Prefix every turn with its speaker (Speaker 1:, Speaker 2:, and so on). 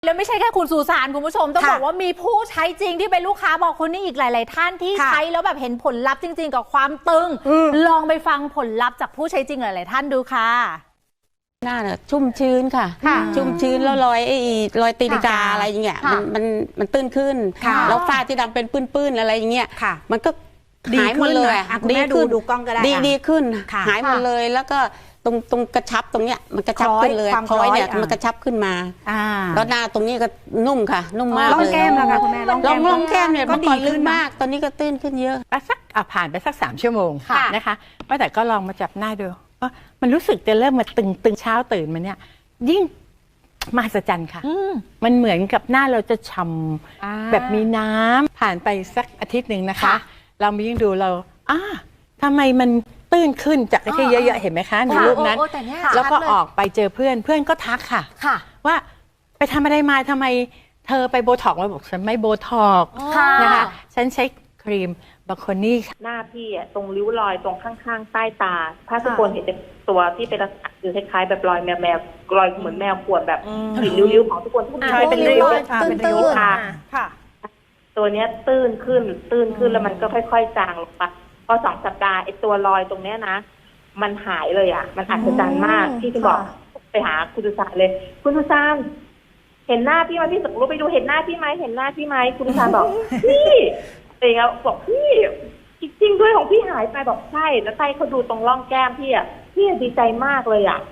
Speaker 1: แล้วไม่ใช่แค่คุณสุสานคุณผู้ชมต้องบอกว่ามีผู้ใช้จริงที่เป็นลูกค้าบอกคนนี้อีกหลาย ๆ ท่านที่ใช้แล้วแบบเห็นผลลัพธ์จริง ๆ กับความตึงลองไปฟังผลลัพธ์จากผู้ใช้จริงหลาย ๆ ท่านดูค่ะ
Speaker 2: หน้าเนี่ยชุ่มชื้นค่ะชุ่มชื้นแล้วรอยตีนกาอะไรอย่างเงี้ยมันตื้นขึ้นแล้วฝ้าที่ดำเป็นปื้นๆอะไรอย่างเงี้ยมันก็หายหมดเลย
Speaker 3: ดีขึ้นดูกล้องก็ได้
Speaker 2: ดีขึ้นหายหมดเลยแล้วก็ตรงกระชับตรงเนี้ยมันกระชับขึ้นเลยคล้อยเนี่ยมันกระชับขึ้นมาแล้วหน้าตรงนี้ก็นุ่มค่ะนุ่มมากเลย
Speaker 3: ล่องแก้มแล้วค่ะคุณแม่ล่
Speaker 2: องแก้มเนี่ยเมื่อก่อนลึกมากตอนนี้ก็ตื้นขึ้นเยอะ
Speaker 4: สักผ่านไปสัก3 ชั่วโมงนะคะป้าแต่ก็ลองมาจับหน้าดูมันรู้สึกจะเริ่มมาตึงเช้าตื่นมาเนี่ยยิ่งมหัศจรรย์ค่ะมันเหมือนกับหน้าเราจะฉ่ำแบบมีน้ำผ่านไปสักอาทิตย์หนึ่งนะคะเรามายิ่งดูเราทำไมมันตื้นขึ้นจากที่เยอะๆเห็นไหมคะในรูปนั้นแล้วก็ออกไปเจอเพื่อนก็ทักค่ะว่าไปทำอะไรมาทำไมเธอไปโบท็อกซ์มาบอกฉันไม่โบท็อกซ์นะคะฉันใช้ครีมบาโคนี่
Speaker 5: หน้าพี่ตรงริ้วรอยตรงข้างๆใต้ตาถ้าทุกคนเห็นตัวที่เป็นลักษณะคือคล้ายๆแบบรอยแมวรอยเหมือนแมวขวดแบบหินริ้วๆของทุกคนทุกคน
Speaker 3: เป็นริ้วค่ะ
Speaker 5: ตัวเนี้ยตื้นขึ้นแล้วมันก็ค่อยๆจางลงไปพอ2 สัปดาห์ไอ้ตัวรอยตรงเนี้ยนะมันหายเลยมันอัศจรรย์มากที่จะบอกไปหาคุณสุสานเลยคุณสุสานเห็นหน้าพี่ไหมพี่สมรู้ไปดูเห็นหน้าพี่ไหมเห็นหน้าพี่ไหมคุณสุสานบอกพี่เองบอกพี่จริงๆด้วยของพี่หายไปบอกใช่แล้วใต้เขาดูตรงร่องแก้มพี่ดีใจมากเลย